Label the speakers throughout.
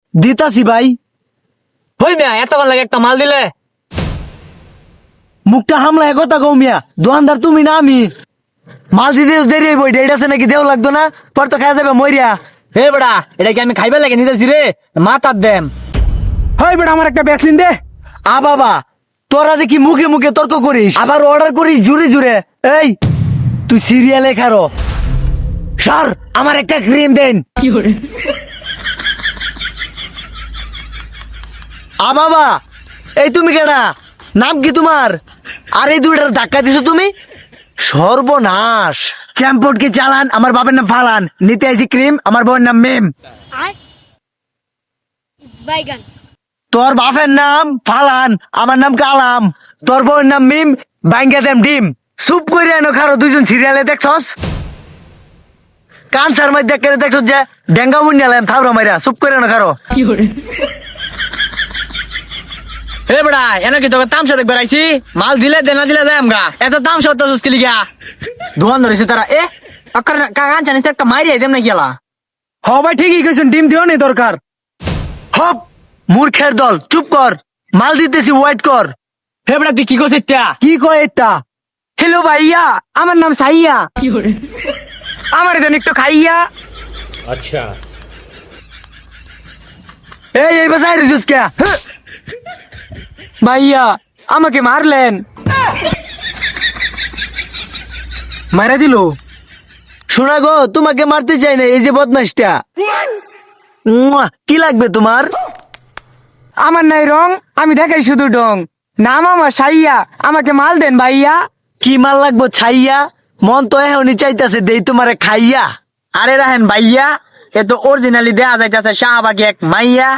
Speaker 1: দিতাছি ভাই।
Speaker 2: হই মিয়া এতক্ষণ লাগে একটা মাল দিলে।
Speaker 1: মুখটা হামলা কথা কও মিয়া, দোকানদার তুমি না আমি। মাল দিতে তো দেরি হইব, এটা আছে নাকি দেও লাগতো না, পর তো খাই যাবে মরিয়া।
Speaker 2: হে বেড়া এটা কি আমি খাইবে লাগে নিতেছি রে, মাথার দেম।
Speaker 3: হয় বেটা আমার একটা ব্যাসলিন দে।
Speaker 1: আ বাবা, তোরা দেখি মুখে মুখে তর্ক করিস, আবার অর্ডার করিস জুড়ে জুড়ে। এই তুই সিরিয়ালে খারো স্যার, আমার একটা ক্রিম দেন। আ বাবা, এই তুমি কেডা? নাম কি তোমার? আর এই দুইটার ধাক্কা দিছো তুমি? সর্বনাশ। চ্যাম্পট কি চালান, আমার বাবার নাম ফালান। নিতে আইছি ক্রিম, আমার বউয়ের নাম মেম।
Speaker 4: বাইগান।
Speaker 1: তোর বাপের নাম ফালান, আমার নাম কালাম। তোর বউয়ের নাম মিম, বাইঙ্গা দেম ডিম। চুপ করে এনো খারো, দুইজন সিরিয়ালে দেখছস? কানসার মধ্যে দেখছস যে ডেঙ্গা মুন্ডালাম থাবরা মাইরা। চুপ করে এনো খারো।
Speaker 2: হে বেড়া এনে কি তোকে তামসা দেখবে আইছি? মাল দিলে দেনা দিলে যাই আমগা, এত তামসা হতেছিস কি লিগা? দোকান ধরেছে তারা। এ আকার কাগান জানিস একটা মাইরি দেম না গেলা।
Speaker 3: হ ভাই ঠিকই কইছেন, ডিম দিও নেই দরকার।
Speaker 1: হপ, মূর্খের দল, চুপ কর। মাল দিতেছি, ওয়েট কর।
Speaker 2: হে বেড়া তুই কি করছিস তা?
Speaker 3: কি কয় এটা?
Speaker 1: হ্যালো ভাইয়া, আমার নাম সাইয়া।
Speaker 3: আমার দেন একটু খাইয়া।
Speaker 1: এই বাসায় রিজুস কে?
Speaker 3: ভাইয়া আমাকে মারলেন। মারা দিল।
Speaker 1: শোনা গো, তোমাকে মারতে চাই না, এই যে বদমাসটা। কি লাগবে তোমার?
Speaker 3: আমার নাই রং, আমি দেখাই শুধু ডং। নাম আমার সাইয়া, আমাকে মাল দেন ভাইয়া।
Speaker 1: কি মাল লাগবো ছাইয়া? মন তো এখনই চাইতাছে দেই তোমারে খাইয়া।
Speaker 2: আরে রাহেন ভাইয়া, এ তো অরিজিনালি দেয়া যাইতাছে শাহবাগী এক মাইয়া।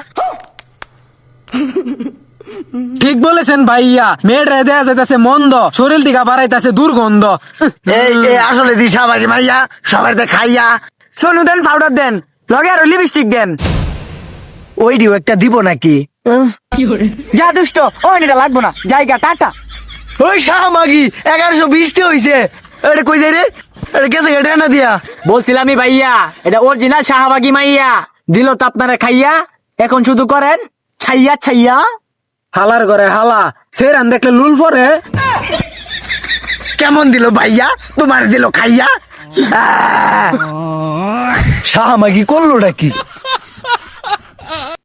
Speaker 3: ঠিক বলেছেন ভাইয়া, মেয়েটা দেয়া যাইতাছে মন্দ, শরীর দিকে বাড়াইতাছে দুর্গন্ধ।
Speaker 1: এই আসলে দিশা বাকি মাইয়া, সবার খাইয়া।
Speaker 3: সোনু দেন, পাউডার দেন, লগে আরো লিপস্টিক দেন।
Speaker 1: ওইডিও একটা দিব নাকি?
Speaker 3: যা দুষ্ট, ওই এটা লাগবো না, জায়গা টাটা।
Speaker 1: ওই শাহমাগি 1120 হইছে। এটা কই যাই রে? এটা গেছে এটা না দিয়া।
Speaker 2: বলছিলামই ভাইয়া এটা অরিজিনাল শাহবাগী মাইয়া, দিল তো আপনারা খাইয়া, এখন শুধু করেন ছাইয়া ছাইয়া।
Speaker 3: হালার ঘরে হালা, সেরান দেখলে লুল পরে।
Speaker 1: কেমন দিল ভাইয়া? তোমার দিল খাইয়া। শাহমাগি করলোটা কি?